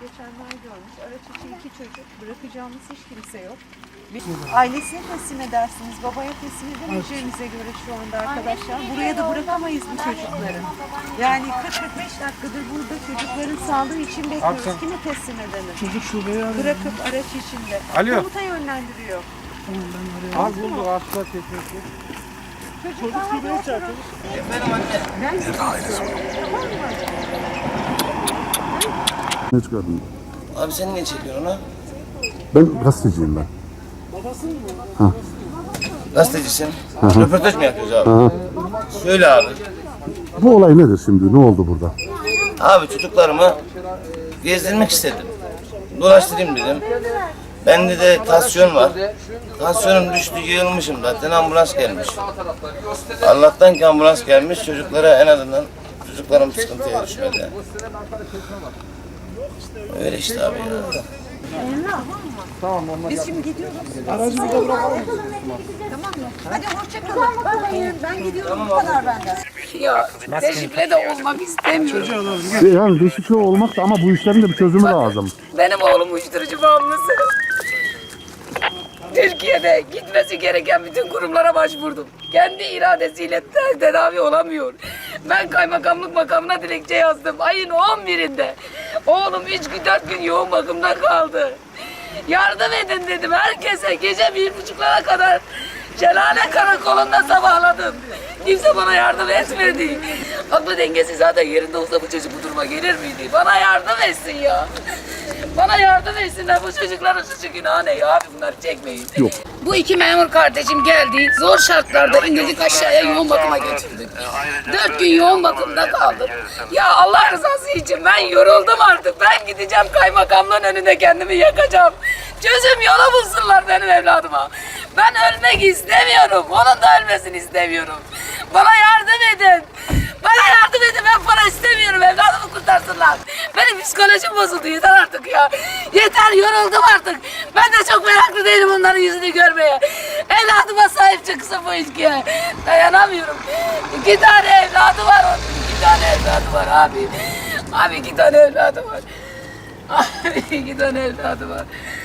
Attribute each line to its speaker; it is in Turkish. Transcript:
Speaker 1: geçenler görmüş. Araç içi 2 çocuk. Bırakacağımız hiç kimse yok. Ailesine teslim edersiniz. Babaya teslim edemeyeceğimize göre şu anda arkadaşlar. Buraya da bırakamayız bu çocukları. Yani 40-45 dakikadır burada çocukların sağlığı için bekliyoruz. Kimi teslim edelim?
Speaker 2: Çocuk şubeyi arıyor.
Speaker 1: Bırakıp araç içinde.
Speaker 3: Alo.
Speaker 1: Komuta yönlendiriyor.
Speaker 2: Tamam ben arıyorum.
Speaker 3: Az bulduk asla teknesi.
Speaker 2: Çocuk şubeyi çağırıyor.
Speaker 1: Ben tamam mı?
Speaker 4: Ne çıkardın?
Speaker 5: Abi sen niye çekiyorsun onu?
Speaker 4: Ben gazeteciyim ben.
Speaker 5: Gazetecisin. Röportaj mı yapıyoruz abi? Söyle abi.
Speaker 4: Bu olay nedir şimdi? Ne oldu burada?
Speaker 5: Abi çocuklarımı gezdirmek istedim. Dolaştırayım dedim. Bende de tansiyon var. Tansiyonum düştü, yığılmışım zaten. Ambulans gelmiş. Allah'tan ki ambulans gelmiş. Çocuklara en azından çocuklarım sıkıntıya düşmedi. Öyle işte abi ya.
Speaker 1: Biz şimdi gidiyoruz.
Speaker 2: Aracı burada bırakalım.
Speaker 1: Tamam mı? Hadi hoşçakalın. Ben gidiyorum. Bu kadar benden.
Speaker 6: Ya deşifre de olmak istemiyorum.
Speaker 4: Yani deşifre olmak da ama bu işlerin de bir çözümü lazım.
Speaker 6: Benim oğlum uyuşturucu bağımlısı. Türkiye'de gitmesi gereken bütün kurumlara başvurdum. Kendi iradesiyle tedavi olamıyor. Ben kaymakamlık makamına dilekçe yazdım. Ayın 11'inde. Oğlum 3 gün 4 gün yoğun bakımda kaldı. Yardım edin dedim herkese. Gece 1.30'lara kadar Şelale Karakolu'nda sabahladım. Kimse bana yardım etmedi. Aklı dengesi zaten yerinde olsa bu çocuk bu duruma gelir miydi? Bana yardım etsin ya. Bana yardım etsinler, bu çocukların suçu günahı ne ya abi, bunları çekmeyin.
Speaker 4: Yok.
Speaker 6: Bu 2 memur kardeşim geldi, zor şartlarda indirdik aşağıya, yoğun bakıma götürdük. 4 gün yoğun bakımda kaldım. Ya Allah rızası için ben yoruldum artık, ben gideceğim kaymakamlığın önünde kendimi yakacağım. Çözüm yolu bulsunlar benim evladıma. Ben ölmek istemiyorum, onun da ölmesini istemiyorum. Bana yardım edin. Bana yardım edin, ben para istemiyorum, evladımı kurtarsınlar. Benim psikolojim bozuldu, yeter artık ya. Yeter, yoruldum artık. Ben de çok meraklı değilim onların yüzünü görmeye. Evladıma sahip çıksın bu ülkeye. Dayanamıyorum. 2 tane evladı var onun, 2 tane evladı var abi. Abi 2 tane evladı var. Abi 2 tane evladı var.